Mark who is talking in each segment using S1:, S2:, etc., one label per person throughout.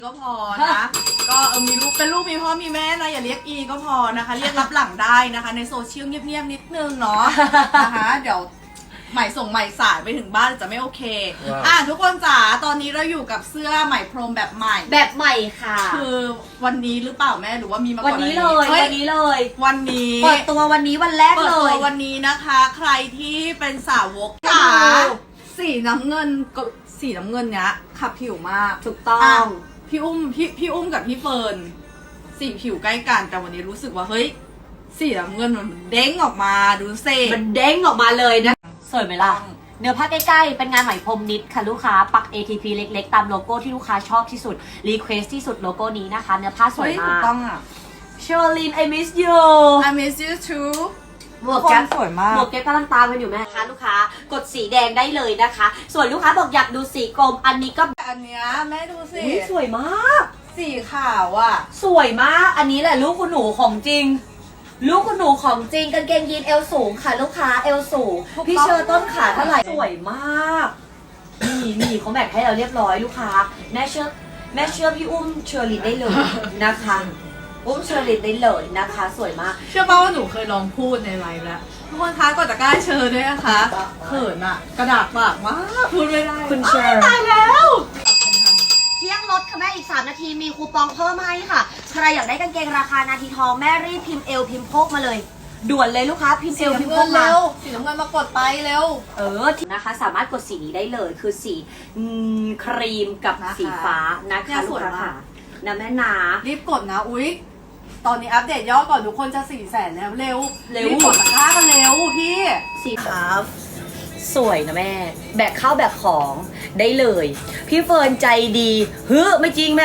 S1: ก็พอนะก็มีลูกเป็นลูกมีพ่อมีแม่นะอย่าเรียกอีก็พอนะคะเรียกรับหลังได้นะคะในโซเชียลเงียบๆนิดนึงเนาะนะคะเดี๋ยวใหม่ส่งใหม่สายไปถึงบ้านจะไม่โอเคทุกคนจ๋าตอนนี้เราอยู่กับเสื้อใหม่พรมแบบใหม่
S2: แบบใหม่ค่ะ
S1: คือวันนี้หรือเปล่าแม่หรือว่ามีมาก่อน
S2: วันนี้เลยวันนี้เลย
S1: วันนี้
S2: เปิดตัววันนี้วันแรกเลย
S1: เปิดตัววันนี้นะคะใครที่เป็นสาวกจ๋าสีน้ำเงินกับสีน้ำเงินเนี้ยขับผิวมาก
S2: ถูกต้อง
S1: พี่อุ้มกับพี่เฟิร์นสีผิวใกล้กันแต่วันนี้รู้สึกว่าเฮ้ยสีน้ำเงินมันเด้งออกมาดูเซ่
S2: มันเด้งออกมาเลยนะสวยไหมล่ะเนื้อผ้าใกล้ๆเป็นงานไหมพรมนิดค่ะลูกค้าปัก ATP เล็กๆตามโลโก้ที่ลูกค้าชอบที่สุดรีเควสที่สุดโลโก้นี้นะคะเนื้อผ้าสวยมาก
S1: ถูกต้องอ่ะ
S2: Charlene I miss you
S1: I miss you too
S2: หมวกแก๊ป
S1: สวยมาก
S2: หมวกแก๊ปกำลังตามกันอยู่แม่คะลูกค้ากดสีแดงได้เลยนะคะ ส่วนลูกค้าบอกอยากดูสีกรมอันนี้ก็
S1: อันเนี้ยแม่ดูสิ
S2: สวยมาก
S1: สีขาวอ่ะ
S2: สวยมากอันนี้แหละลูกคุณหนูของจริงลูกคุณหนูของจริงกางเกงยีนเอวสูงค่ะลูกค้าเอวสูงพี่เชอร์ต้นขาเท่าไหร่สวยมากนี่เขาแบ่งให้เราเรียบร้อยลูกค้าแม่เชื่อพี่อุ้มเชอรินได้เลยนะคะอุ้มเชอรินได้เลยนะคะสวยมาก
S1: เชื่อป่าว่าหนูเคยลองพูดในไลฟ์แล้วทุกคนคะกดตะกร้าเชอร์ด้วยนะคะเขินอ่ะกระดาษปากมากพูดไม่ได้
S2: คุณเชอร์
S1: ตายแล้ว
S2: เที่ยงลดค่ะแม่อีก3 นาทีมีคูปองเพิ่มให้ค่ะใครอยากได้กางเกงราคานาทีทองแม่รีบพิมพ์เอลพิมพ์โพกมาเลยด่วนเลยลูกค้าพิมพ์เอลพิมพ์โพกมา
S1: สีน้ำเงินมากดไปเร็ว
S2: นะคะสามารถกดสีนี้ได้เลยคือสีครีมกับสีฟ้านะคะลูกค้าค่ะนะแม่นา
S1: รีบกดนะอุ๊ยตอนนี้อัปเดตยอดก่อนทุกคนจะ400,000แล้วเร็วรีบกดตะกร้ากันเร็วพี่
S2: สีฟ้าสวยนะแม่แบกข้าวแบกของได้เลยพี่เฟิร์นใจดีไม่จริงแม่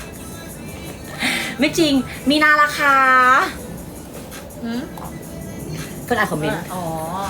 S2: ไม่จริงมีนาราคาเฟิร์นอ่านคอมเมนต์
S1: อ๋อ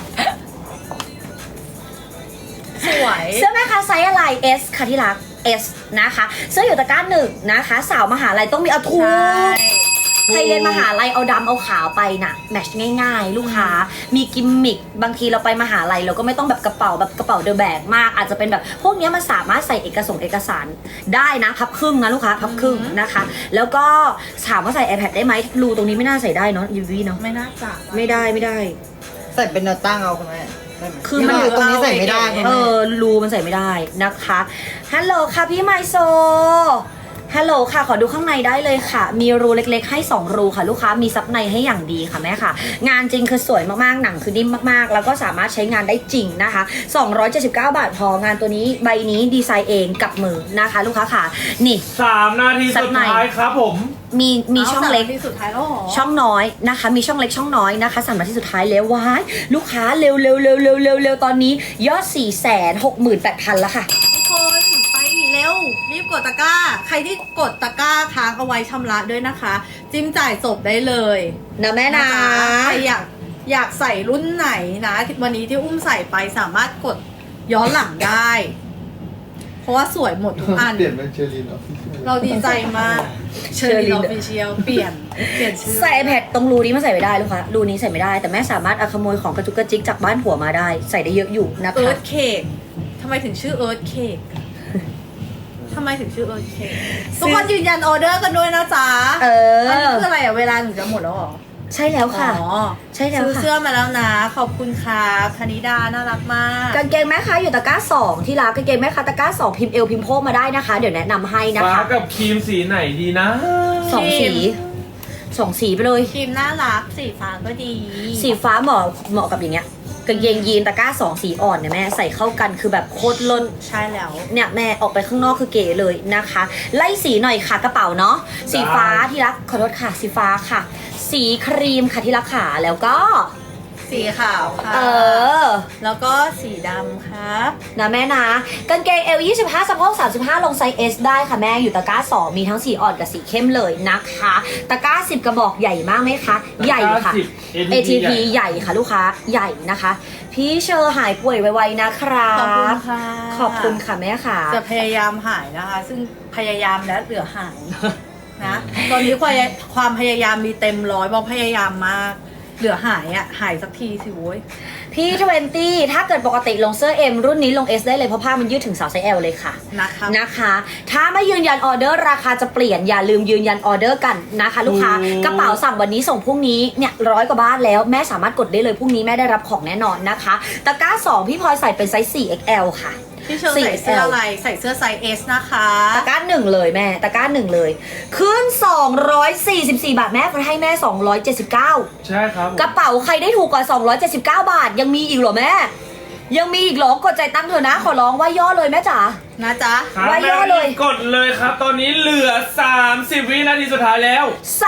S1: สวย
S2: เสื้อแม่คะไซส์อะไร S ค่ะที่รัก S นะคะเสื้ออยู่ตะกร้า1นะคะสาวมหาลัยต้องมีเอาทูใครเรียนมหาลัยเอาดำเอาขาวไปน่ะแมทช์ง่ายๆลูกค้ามีกิมมิคบางทีเราไปมหาลัยเราก็ไม่ต้องแบบกระเป๋าเดอะแบกมากอาจจะเป็นแบบพวกนี้มันสามารถใส่เอกสารได้นะพับครึ่งนะลูกค้าพับครึ่งนะคะแล้วก็ถามว่าใส่ iPad ได้ไหมรูตรงนี้ไม่น่าใส่ได้เนาะยูวีเนาะ
S1: ไม่น่าจะ
S2: ไม่ได้
S3: ใส่เป็นแนวตั้งเอาคุณแม่
S2: คือมัน
S3: ตรงนี้ใส่ไม่ได้
S2: รูมันใส่ไม่ได้นะคะฮัลโหลค่ะพี่ไมโซฮัลโหลค่ะขอดูข้างในได้เลยค่ะมีรูเล็กๆให้2รูค่ะลูกค้ามีซับในให้อย่างดีค่ะแม่ค่ะงานจริงคือสวยมากๆหนังคือนิ่มมากๆแล้วก็สามารถใช้งานได้จริงนะคะ279 บาทพองานตัวนี้ใบนี้ดีไซน์เองกับมือนะคะลูกค้าค่ะนี่
S4: 3 นาทีสุดท้ายครับผม
S2: มีช่องเล็ก
S1: สุดท้ายแล้วหรอ
S2: ช่องน้อยนะคะมีช่องเล็กช่องน้อยนะคะ3 นาทีสุดท้ายแล้วว้ายลูกค้าเร็วตอนนี้ยอด 468,000 แล้วค่ะ
S1: คนไปเร็วรีบกดตะกร้าใครที่กดตะกร้าค้างเอาไว้ชำระด้วยนะคะจิ้มจ่ายจบได้เลย
S2: นะแม่นะ
S1: ใครอยากใส่รุ่นไหนนะวันนี้ที่อุ้มใส่ไปสามารถกดย้อนหลังได้เพราะว่าสวยหมดทุกอัน
S3: เปลี่ยนเป็นเชอริน
S1: เราดีใจมากเชอรินออฟฟิเชียลเปลี่ยนชื่อ
S2: ใส่ iPad ตรงรูนี้มาใส่ไม่ได้ลูกค้ารูนี้ใส่ไม่ได้แต่แม่สามารถเอาขโมยของกระจุกกระจิกจากบ้านผัวมาได้ใส่ได้เยอะอยู่นะคะ
S1: เอิร์ธเค้กทำไมถึงชื่อเอิร์ธเค้กทำไมถึงชื่อเอิร์ธเค้กทุกคนยืนยันออเดอร์กันด้วยนะจ๊ะอันนี้คืออะไรอ่ะเวลาหนูจะหมดแล้วหรอ
S2: ใช่แล้วค่ะใช่แล้ว
S1: ค่ะซื้อเสื้อมาแล้วนะขอบคุณค่ะธนิดาน่ารักมาก
S2: กางเกงแม่ค้าอยู่ตะกร้า2ที่ร้านกางเกงแม่ค้าตะกร้า2พิมพ์เอลพิมพ์โพกมาได้นะคะเดี๋ยวแนะนำให้นะคะ
S4: ฟ้ากับครีมสีไหนดีนะ
S2: 2 สีไปเลย
S1: ครีมน่ารักสีฟ้าก็ดี
S2: สีฟ้าเหมาะกับอย่างเงี้ยกางเกงยีนตะกร้า2 สีอ่อนเนี่ยแม่ใส่เข้ากันคือแบบโคตรล้น
S1: ใช่แล้ว
S2: เนี่ยแม่ออกไปข้างนอกคือเก๋เลยนะคะไล่สีหน่อยค่ะกระเป๋าเนาะสีฟ้าที่รักขอโทษค่ะสีฟ้าค่ะสีครีมค่ะที่รักขาแล้วก็
S1: สีขาวค่ะแล้วก็สีดำครับ
S2: นะแม่นะกางเกงเอล25สะโพก35ลงไซส์ S ได้ค่ะแม่อยู่ตะกร้า2มีทั้งสีอ่อนกับสีเข้มเลยนะคะตะกร้า10กระบอกใหญ่มากไหมคะใหญ่ค่ะ ATP ใหญ่ค่ะลูกค้าใหญ่นะคะพี่เชอร์หายป่วยไวๆนะครับ
S1: ขอบคุณค่ะ
S2: ขอบคุณค่ะแม่ค่ะ
S1: จะพยายามหายนะคะซึ่งพยายามแล้วเหลือหายนะตอนนี้ความพยายามมีเต็ม100เพราะพยายามมากเหลือหายอ่ะหายสักทีสิโว้ย
S2: พี่20ถ้าเกิดปกติลงเสื้อ M รุ่นนี้ลง S ได้เลยเพราะผ้ามันยืดถึงสาวไซส์ L เลยค่ะ นะคะ ถ้าไม่ยืนยันออเดอร์ราคาจะเปลี่ยนอย่าลืมยืนยันออเดอร์กันนะคะ ลูกค้ากระเป๋าสั่งวันนี้ส่งพรุ่งนี้เนี่ย100 กว่าบาทแล้วแม่สามารถกดได้เลยพรุ่งนี้แม่ได้รับของแน่นอนนะคะตะกร้า 2 พี่พลอยใส่เป็นไซส์ 4XL ค่ะ
S1: พี่เชอร์ใส่เสื้ออะไรใส่เสื้อไซส์ S นะคะ
S2: ตะกร้า 1เลยแม่ตะกร้า 1เลยขึ้น244 บาทแม่ให้แม่279
S4: ใช่ครับผม
S2: กระเป๋าใครได้ถูกกว่า279 บาทยังมีอีกเหรอแม่ยังมีอีกเหรอกดใจตั้งเถอะนะขอร้องว่าย่อเลยแม่จ๋า
S1: นะจ๊ะ
S4: ครับ
S2: ไว้
S4: แม่
S2: ย่อเลย
S4: กดเลยครับ ตอนนี้เหลือ 30 วินาทีสุดท้ายแล้ว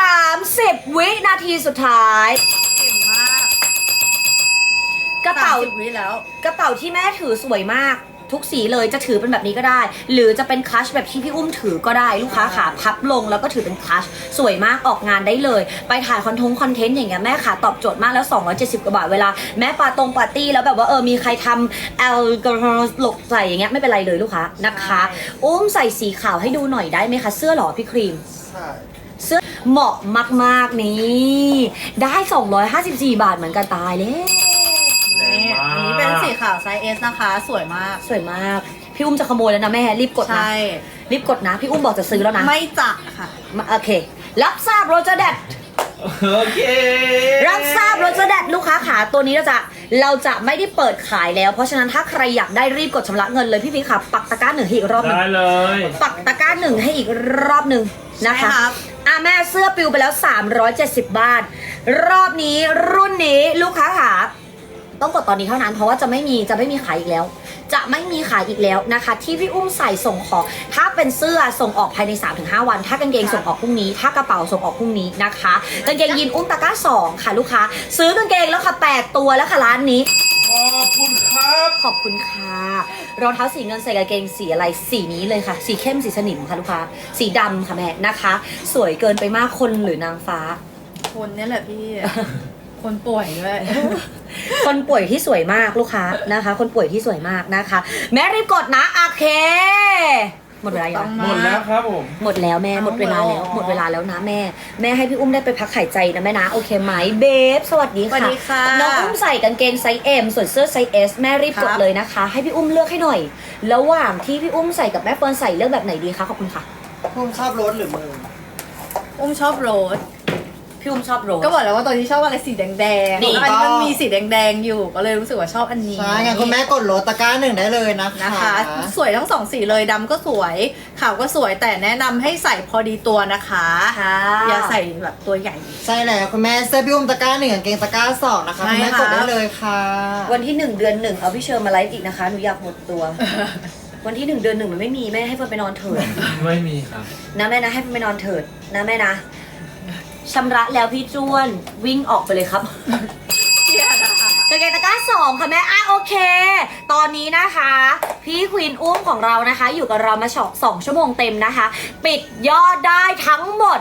S2: 30 วินาทีสุดท้าย
S1: เก่งมาก
S2: กระเป๋า
S1: 30 วิแล้ว
S2: กระเป๋าที่แม่ถือสวยมากทุกสีเลยจะถือเป็นแบบนี้ก็ได้ หรือจะเป็นคลัชแบบที่พี่อุ้มถือก็ได้ลูกค้าขาพับลงแล้วก็ถือเป็นคลัชสวยมากออกงานได้เลย ไปถ่ายคอนเทนต์อย่างเงี้ยแม่ขาตอบโจทย์มากแล้ว270 กว่าบาทเวลาแม่ปาร์ตี้แล้วแบบว่ามีใครทำแอลกอฮอล์หลกใส่อย่างเงี้ยไม่เป็นไรเลยลูกค้านะคะ
S1: ใช่
S2: อุ้มใส่สีขาวให้ดูหน่อยได้ไหมคะเสื้อหรอพี่ครีม
S3: ใช่
S2: เสื้อเหมาะมากๆนี่ได้254 บาทเหมือนกันตายเลย
S4: แรงมาก
S1: อันนี้เป็นสีขาวไซส์ S นะคะ สวยมาก
S2: สวยมาก พี่อุ้มจะขโมยแล้วนะแม่รีบกดนะ
S1: ใช่
S2: รีบกดนะ พี่อุ้มบอกจะซื้อแล้วนะ
S1: ไม่จักค่ะ
S2: โอเค รับทราบโรเจอร์แดด
S4: โอเค
S2: รับทราบโรเจอร์แดดลูกค้าขาตัวนี้เราจะไม่ได้เปิดขายแล้ว เพราะฉะนั้นถ้าใครอยากได้รีบกดชำระเงินเลยพี่พีค่ะปักตะกร้า 1ให้อีกรอบหนึง
S4: ได้เลย
S2: ปักตะกร้า 1ให้อีกรอบหนึ่งนะคะ
S1: ใช่ครับ
S2: แม่เสื้อปิวไปแล้ว370 บาท รอบนี้รุ่นนี้ลูกค้าขาต้องกดตอนนี้เท่านั้นเพราะว่าจะไม่มีขายอีกแล้ว จะไม่มีขายอีกแล้วนะคะ ที่พี่อุ้มใส่ส่งของถ้าเป็นเสื้อส่งออกภายใน 3-5 วัน ถ้ากางเกงส่งออกพรุ่งนี้ ถ้ากระเป๋าส่งออกพรุ่งนี้นะคะกางเกงยีนอุ้มตะกร้า 2 ค่ะลูกค้าซื้อกางเกงแล้วค่ะ8 ตัวแล้วค่ะร้านนี้
S4: ขอบคุณครับ
S2: ขอบคุณค่ะรองเท้าสีเงินใส่กางเกงสีอะไรสีนี้เลยค่ะ สีเข้มสีสนิมค่ะลูกค้าสีดำค่ะแม่นะคะ สวยเกินไปมากคนหรือนางฟ้า
S1: คนเนี่ยแหละพี่ คนป่วยด้วย
S2: คนป่วยที่สวยมากลูกค้านะคะ คนป่วยที่สวยมากนะคะ แม่รีบกดนะโอเค หมดเวลายัง
S4: หมดแล้วครับผม
S2: หมดแล้วแม่หมดเวลาแล้ว
S1: เอาหมดแล้ว
S2: หมดเวลาแล้วนะแม่ให้พี่อุ้มได้ไปพักหายใจนะแม่นะโอเคไหมเบฟสวัสดี
S1: สวัส
S2: ค่ะ
S1: ดีค่ะ
S2: น้องอุ้มใส่กางเกงไซส์ M ส่วนเสื้อไซส์ S แม่รีบกด
S1: ครับ
S2: เลยนะคะ ให้พี่อุ้มเลือกให้หน่อย ระหว่างที่พี่อุ้มใส่กับแม่เฟิร์นใส่เลือกแบบไหนดีคะขอบคุณค่ะ
S3: ผมชอบรถหรือมือ
S1: อุ้มชอบโรส
S2: พี่อุ้มชอบโรส
S1: ก็บอกแล้วว่าตอนนี้ชอบอะไรสีแดงๆ
S2: นี่
S1: แล้วอันนี้มันมีสีแดงๆอยู่ก็เลยรู้สึกว่าชอบอันนี้
S3: ใช่ไงคุณแม่กดรถตะกร้า 1ได้เลยนะคะ
S1: นะคะ สวยทั้งสองสีเลยดำก็สวยขาวก็สวยแต่แนะนำให้ใส่พอดีตัวนะคะ
S2: ค่ะ
S1: อย่าใส่แบบตัวใหญ่
S3: ใช่แล้วคุณแม่เสื้อพี่อุ้มตะกร้า 1กางเกงตะกร้า 2นะคะ
S1: ใช่
S3: คุณแม่
S1: ค่ะ
S3: กดได้เลยค่ะ
S2: วันที่ 1 เดือน 1 เอาพี่เชิญมาไลฟ์อีกนะคะหนูอยากหมดตัว วันที่ 1 เดือน 1 มันไม่มีแม่ให้เฟิร์นไปนอนเถิด
S4: ไม่มีครับ
S2: นะแม่นะให้เฟิร์นไปนอนเถิดนะแม่นะชำระแล้วพี่จ้วนวิ่งออกไปเลยครับ
S1: เชียร์นะคะ
S2: กางเกงตะกร้า 2 ค่ะแม่โอเค ตอนนี้นะคะ พี่ควีนอุ้มของเรานะคะ อยู่กับเรามา2 ชั่วโมงเต็มนะคะ ปิดยอดได้ทั้งหมด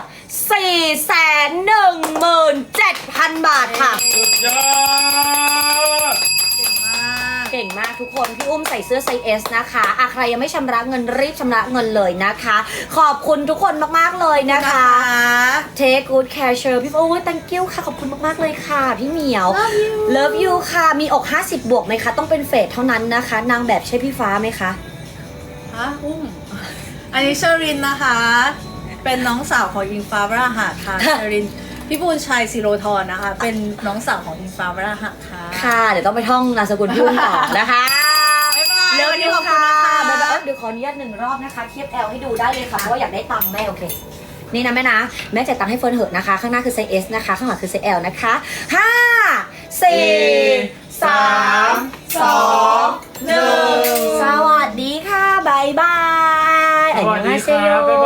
S2: 417,000 บาทค่ะ
S4: สุดยอด
S1: เก่งมาก
S2: เก่งมากทุกคนพี่อุ้มใส่เสื้อไซส์ S นะคะใครยังไม่ชำระเงินรีบชำระเงินเลยนะคะ ขอบคุณทุกคนมากๆเลยนะคะ Take good care เชอร์พี่โอ้ย thank you ค่ะขอบคุณมากๆเลยค่ะพี่เหมียว Love you ค่ะมีอก50 บวกไหมคะต้องเป็นเฟสเท่านั้นนะคะ นางแบบใช่พี่ฟ้าไหมคะ
S1: ฮะอุ้มอันนี้เชอรินนะคะ เป็นน้องสาวของอิงฟ้าวราหะค่ะ เชอรินพี่บุญชัยศิโรธรนะคะ เป็นน้องสาวของอิงฟ้าวราหะค่ะ
S2: ค่ะเดี๋ยวต้องไปท่องนามสกุลพี่อุ้มต่อนะคะ
S1: บ๊ายบาย
S2: เร็ว
S1: วัน
S2: ดี
S1: นี้ขอบ
S2: ค่ะ
S1: คุณนะคะ
S2: บ๊ายบายเดี๋ยวขออนุญาต1 รอบนะคะ เทียบ L ให้ดูได้เลยค่ะเพราะว่าอยากได้ตังค์แม่โอเค นี่นะแม่นะแม่จ่ายตังค์ให้เฟิร์นเหอะนะคะ ข้างหน้าคือไซส์ S นะคะ ข้างหลังคือไซส์ L นะคะ5 4 3 2 1 สวัสดีค่ะบ๊ายบาย
S4: สวัสดีครับ